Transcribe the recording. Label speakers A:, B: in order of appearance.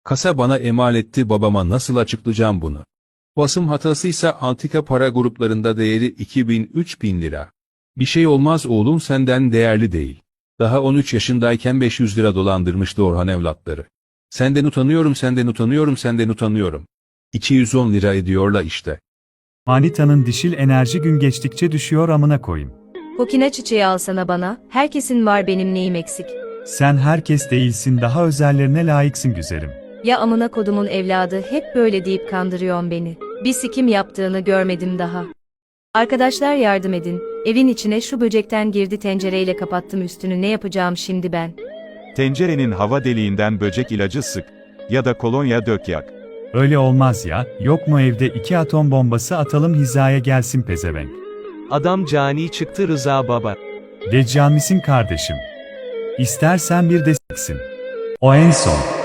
A: Kasa bana emanetti, babama nasıl açıklayacağım bunu? Basım hatasıysa antika para gruplarında değeri 2000-3000 lira. Bir şey olmaz oğlum, senden değerli değil. Daha 13 yaşındayken 500 lira dolandırmıştı Orhan evlatları. Senden utanıyorum, senden utanıyorum, senden utanıyorum. 210 lira ediyorlar işte.
B: Manita'nın dişil enerji gün geçtikçe düşüyor amına koyayım.
C: Kokina çiçeği alsana bana, herkesin var, benim neyim eksik.
B: Sen herkes değilsin, daha özellerine layıksın güzelim.
C: Ya amına kodumun evladı, hep böyle deyip kandırıyorsun beni. Bir sikim yaptığını görmedim daha. Arkadaşlar yardım edin, evin içine şu böcekten girdi, tencereyle kapattım üstünü, ne yapacağım şimdi ben?
D: Tencerenin hava deliğinden böcek ilacı sık. Ya da kolonya dök yak.
B: Öyle olmaz ya, yok mu evde 2 atom bombası atalım hizaya gelsin pezevenk.
E: Adam cani çıktı Rıza baba.
B: Deccal misin kardeşim? İstersen bir de s**sin. O en son.